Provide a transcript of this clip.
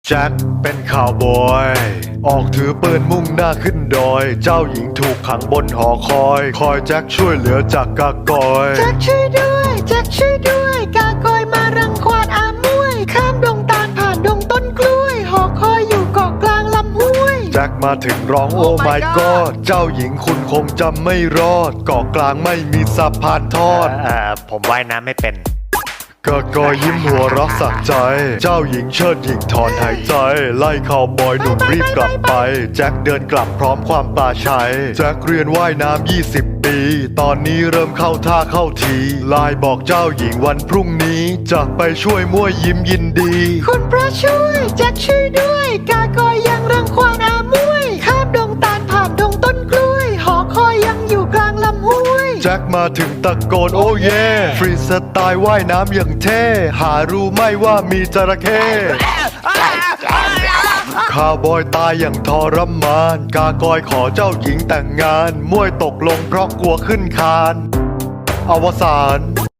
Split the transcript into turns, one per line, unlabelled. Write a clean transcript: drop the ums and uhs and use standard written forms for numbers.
แจ็คเป็นข่าวบอยออกถือปืนมุ่งหน้าขึ้นดอยเจ้าหญิงถูกขังบนหอคอยแจ็คช่วยเหลือจากกากอย
แจ็คช่วยด้วยแจ็คช่วยด้วยกากอยมารังควานอามวยข้ามดงตาลผ่านดงต้นกล้วยหอคอยอยู่เกาะกลางลำห้วย
แจ็คมาถึงร้องโอ้ my god เจ้าหญิงคุณคงจำไม่รอดเกาะกลางไม่มีสะพานทอด
ผมว่ายน้ำไม่เป็น
กากอยยิ้มหัวเรักสักใจเจ้าหญิงเชิดหญิงถอนหายใจไล่ข่าวบอยหนุ่มรีบกลับไปแจ็คเดินกลับพร้อมความปลาชัยแจ็คเรียนว่ายน้ำ20 ปีตอนนี้เริ่มเข้าท่าเข้าทีไลน์บอกเจ้าหญิงวันพรุ่งนี้จะไปช่วยมั่วยิ้มยินดี
คุณพระช่วยแจ็คช่วยด้วยกากอยยังรังควานอามวยข้ามดงตาลผ่านดงต้นกล้วยหอคอยยังอยู่กลางลำห้วย
แจ็คมาถึงตะโกนโอ้เย่ฟรีสไตล์ว่ายน้ำอย่างเท่หารู้ไหม่ว่ามีจระเข้ข้าวบอยตายอย่างทรมานกากอยขอเจ้าหญิงแต่งงานมวยตกลงเพราะกลัวขึ้นคานอวสาน